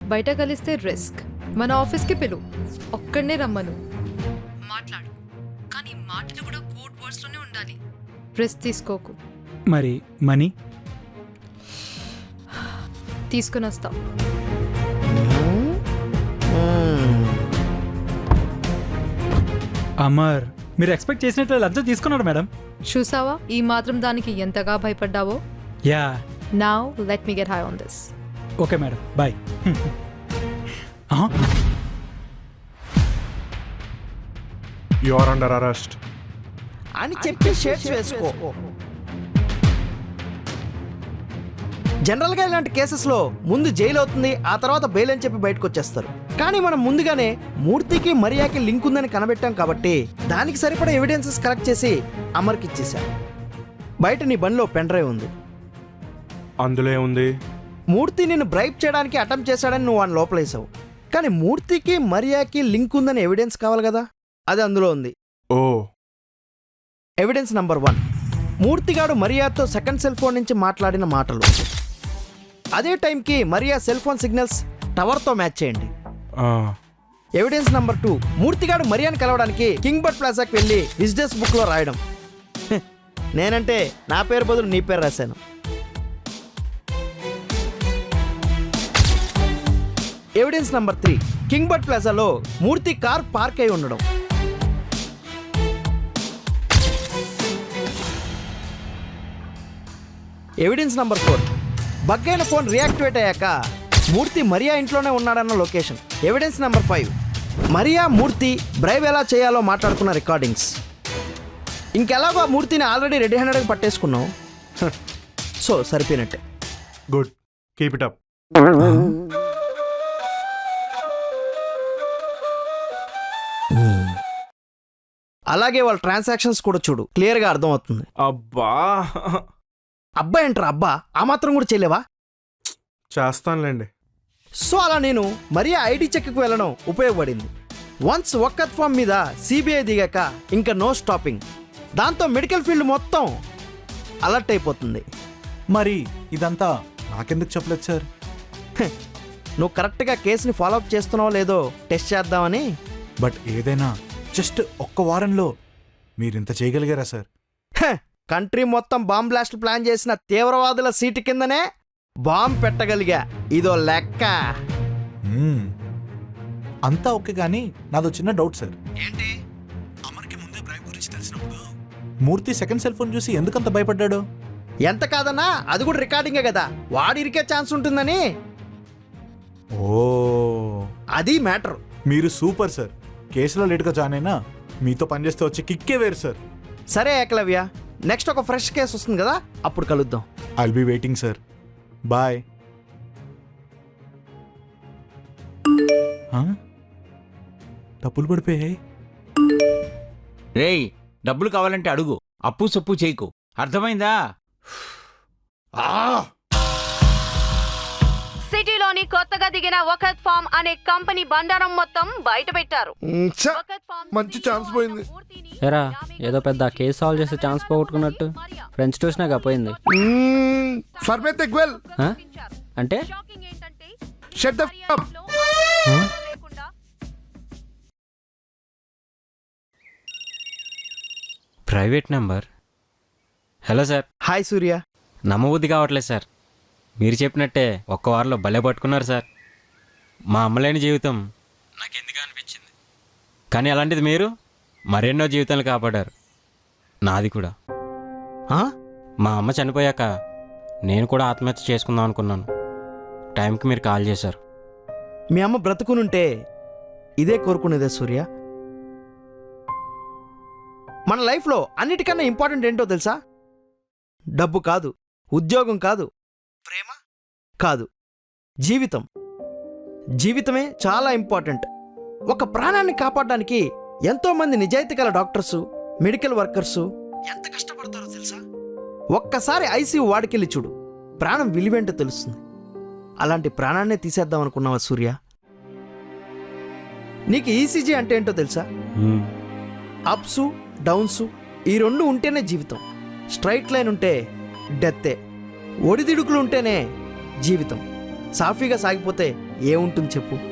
బయట కలిస్తే రిస్క్. మన ఆఫీస్కి పిలు, ఒక్కడనే రమ్మను, మాట్లాడు. కానీ మాటలు కూడా కోడ్ వర్డ్స్లోనే ఉండాలి. రిస్క్ తీసుకోకు. మరి మనీ తీసుకుని వస్తాం. అమర్, మీరు ఎక్స్పెక్ట్ చేసినట్లు లంచం తీసుకున్నాడు మేడం. చూసావా ఈ మాత్రం దానికి ఎంతగా భయపడ్డావో? Yeah. Now let me get high on this. Okay madam, bye. You are under arrest అని చెప్పి షేడ్స్ వేసుకో. జనరల్గా ఇలాంటి కేసెస్లో ముందు జైలు అవుతుంది, ఆ తర్వాత బెయిల్ అని చెప్పి బయటకు వచ్చేస్తారు. కానీ మనం ముందుగానే మూర్తికి మరియాకి లింక్ ఉందని కనబెట్టాం కాబట్టి దానికి సరిపడా ఎవిడెన్సెస్ కలెక్ట్ చేసి అమర్కి ఇచ్చేసాం. బయట నీ బండిలో పెన్ డ్రైవ్ ఉంది. అందులో ఏముంది? మూర్తి నిన్ను బ్రైబ్ చేయడానికి అటెంప్ట్ చేశాడని నువ్వు వాడిని లోపలేసావు. కానీ మూర్తికి మరియాకి లింక్ ఉందని ఎవిడెన్స్ కావాలి కదా, అది అందులో ఉంది. ఓ, ఎవిడెన్స్ నంబర్ 1, మూర్తిగాడు మరియాతో సెకండ్ సెల్ ఫోన్ నుంచి మాట్లాడిన మాటలు. అదే టైంకి మరియా సెల్ ఫోన్ సిగ్నల్స్ టవర్తో మ్యాచ్ చేయండి. ఎవిడెన్స్ నంబర్ 2, మూర్తిగాడు మరియాని కలవడానికి కింగ్ బర్డ్ ప్లాజాకి వెళ్ళి బిజినెస్ బుక్లో రాయడం. నేనంటే నా పేరు బదులు నీ పేరు రాశాను. ఎవిడెన్స్ నంబర్ 3, కింగ్ బర్డ్ ప్లాజాలో మూర్తి కార్ పార్క్ అయి ఉండడం. ఎవిడెన్స్ నంబర్ 4, బగ్ అయిన ఫోన్ రియాక్టివేట్ అయ్యాక మూర్తి మరియా ఇంట్లోనే ఉన్నాడన్న location. Evidence number 5, Maria Murthy బ్రైవ్ ఎలా చేయాలో మాట్లాడుకున్న రికార్డింగ్స్. ఇంకెలాగో ఆ మూర్తిని ఆల్రెడీ రెడీ హ్యాండెడ్గా పట్టేసుకున్నావు. సో సరిపోయినట్టే. Good, keep it up. అలాగే వాళ్ళ ట్రాన్సాక్షన్స్ కూడా చూడు, క్లియర్గా అర్థమవుతుంది. అబ్బా, అబ్బా ఏంట్రా అబ్బా, ఆ మాత్రం కూడా చేయలేవా? చేస్తానులేండి. సో అలా నేను మరియా ఐడి చెక్కి వెళ్ళడం ఉపయోగపడింది. వన్స్ ఒక్కత్ ఫామ్ మీద సిబిఐ దిగాక ఇంకా నో స్టాపింగ్. దాంతో మెడికల్ ఫీల్డ్ మొత్తం అలర్ట్ అయిపోతుంది. మరి ఇదంతా నాకెందుకు చెప్పలేదు సార్? నువ్వు కరెక్ట్గా కేసుని ఫాలోఅప్ చేస్తున్నావో లేదో టెస్ట్ చేద్దామని. బట్ ఏదైనా జస్ట్ ఒక్క వారంలో మీరింత చేయగలిగారా సార్? కంట్రీ మొత్తం బాంబ్ బ్లాస్ట్ ప్లాన్ చేసిన తీవ్రవాదుల సీటు కిందనే బాంబ్ పెట్టగలిగా, ఇదో లెక్క. అంతా ఓకే, కానీ నాదో చిన్న డౌట్ సార్. ఏంటి? అమర్కి ముందే బ్రైబ్ గురించి తెలిసినప్పుడు మూర్తి సెకండ్ సెల్ ఫోన్ చూసి ఎందుకంత భయపడ్డాడు? ఎంత కాదన్నా అది కూడా రికార్డింగే కదా, వాడు ఇరికే ఛాన్స్ ఉంటుందని. ఓ, అది మ్యాటర్. మీరు సూపర్ సార్. కేసులో లేట్గా జాయిన్ అయినా మీతో పనిచేస్తే వచ్చి కిక్కే వేరు సార్. సరే ఏకలవ్య, నెక్స్ట్ ఒక ఫ్రెష్ కేసు వస్తుంది కదా, అప్పుడు కలుద్దాం. I'll be waiting sir. Bye. డబ్బులు పడిపోయాయి. రేయ్, డబ్బులు కావాలంటే అడుగు, అప్పు సొప్పు చేయకు, అర్థమైందా? సిటీలోని కొత్తగా దిగిన వకత్ ఫామ్ అనే కంపెనీ బండారం మొత్తం బయట పెట్టారు. మంచి ఛాన్స్ పోయింది. ఎరా, ఏదో పెద్ద కేసు సాల్వ్ చేసే ఛాన్స్ పోగొట్టుకున్నట్టు. ఫ్రెండ్స్ చూసినాక పోయింది. అంటే private number. Hello sir. Hi Surya. నమ్మబుద్ధి కావట్లేదు సార్. మీరు చెప్పినట్టే ఒక్క వారంలో భలే పట్టుకున్నారు సార్. మా అమ్మలేని జీవితం నాకెందుకు అనిపించింది, కానీ అలాంటిది మీరు మరెన్నో జీవితాలు కాపాడారు, నాది కూడా. మా అమ్మ చనిపోయాక నేను కూడా ఆత్మహత్య చేసుకుందాం అనుకున్నాను. టైంకి మీరు కాల్ చేశారు. మీ అమ్మ బ్రతుకునుంటే ఇదే కోరుకునేదే సూర్య. మన లైఫ్లో అన్నిటికన్నా ఇంపార్టెంట్ ఏంటో తెలుసా? డబ్బు కాదు, ఉద్యోగం కాదు, ప్రేమ కాదు, జీవితం. జీవితమే చాలా ఇంపార్టెంట్. ఒక ప్రాణాన్ని కాపాడడానికి ఎంతోమంది నిజాయితీ గల డాక్టర్సు, మెడికల్ వర్కర్సు ఎంత కష్టపడతారో తెలుసా? ఒక్కసారి ఐసీయూ వాడికెళ్ళి చూడు, ప్రాణం విలువేంటో తెలుస్తుంది. అలాంటి ప్రాణాన్నే తీసేద్దాం అనుకున్నావా సూర్య? నీకు ఈసీజీ అంటే ఏంటో తెలుసా? అప్సు డౌన్సు ఈ రెండు ఉంటేనే జీవితం. స్ట్రైట్ లైన్ ఉంటే డెత్తే. ఒడిదిడుకులు ఉంటేనే జీవితం. సాఫీగా సాగిపోతే ఏముంటుంది చెప్పు?